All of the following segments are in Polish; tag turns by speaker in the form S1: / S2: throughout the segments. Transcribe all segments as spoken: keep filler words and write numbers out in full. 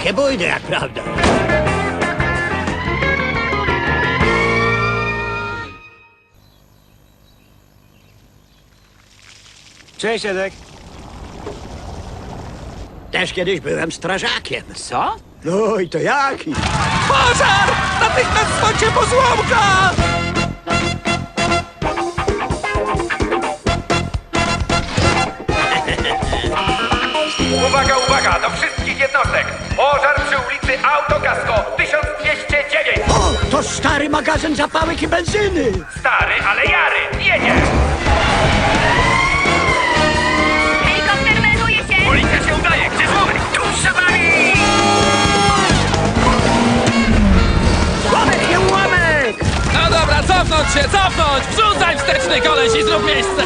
S1: Takie bójdy, jak prawda.
S2: Cześć, Edek.
S1: Też kiedyś byłem strażakiem.
S2: Co?
S1: No i to jaki?
S2: Pożar! Natychmiast dzwońcie po złomka!
S3: Uwaga, uwaga, do wszystkich jednostek! Pożar przy ulicy Autokasko tysiąc dwieście dziewięć!
S1: O, to stary magazyn zapałek i benzyny.
S3: Stary, ale jary! Jedzie!
S4: Helikopter melduje się!
S3: Policja się udaje! Gdzie złomek? Tuż za wami!
S1: Łamek, nie ułamek!
S5: No dobra, cofnąć się, cofnąć! Wrzucaj wsteczny koleś i zrób miejsce!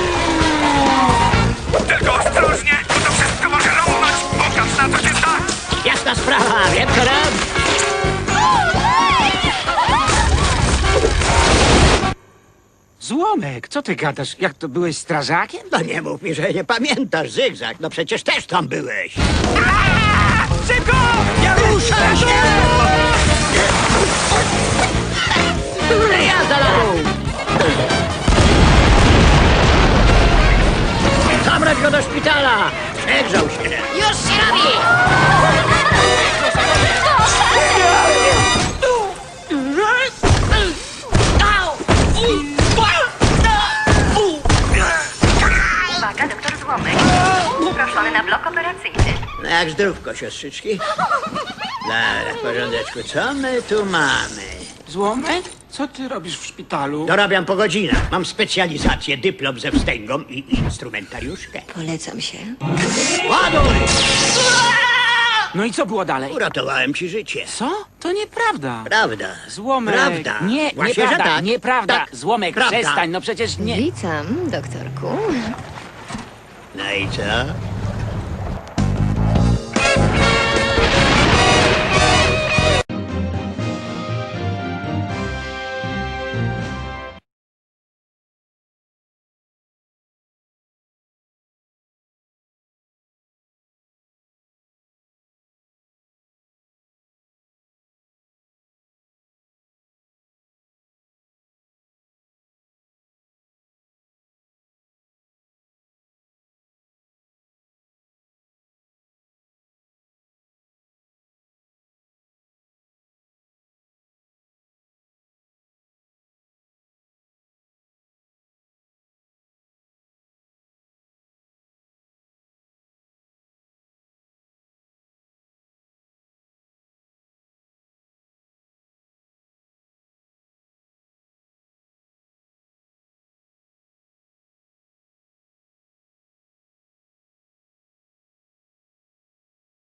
S3: Tylko ostrożnie, bo to wszystko może rąbnąć! Pokaż na co się stać!
S1: Jasna sprawa, wiem co robić.
S2: Złomek, co ty gadasz? Jak to, byłeś strażakiem?
S1: No nie mów mi, że nie pamiętasz, Zygzak. No przecież też tam byłeś.
S2: Szybko!
S1: Nie ruszaj się! Jazda na dół! Zabrać go do szpitala! Przegrzał się.
S4: Już się robi! Uwaga, doktor Złomek. Proszony na blok operacyjny.
S1: No jak zdrówko, siostrzyczki? Dobra, w porządeczku. Co my tu mamy?
S2: Złomek? Co ty robisz w szpitalu?
S1: Dorabiam po godzinach. Mam specjalizację, dyplom ze wstęgą i instrumentariuszkę.
S4: Polecam się.
S1: Ładuj!
S2: No i co było dalej?
S1: Uratowałem ci życie.
S2: Co? To nieprawda.
S1: Prawda.
S2: Złomek.
S1: Prawda.
S2: Nie,
S1: Właśnie,
S2: nieprawda,
S1: że tak.
S2: nieprawda.
S1: Tak.
S2: Złomek,
S1: Prawda.
S2: przestań, no przecież nie.
S4: Witam, doktorku.
S1: No i co?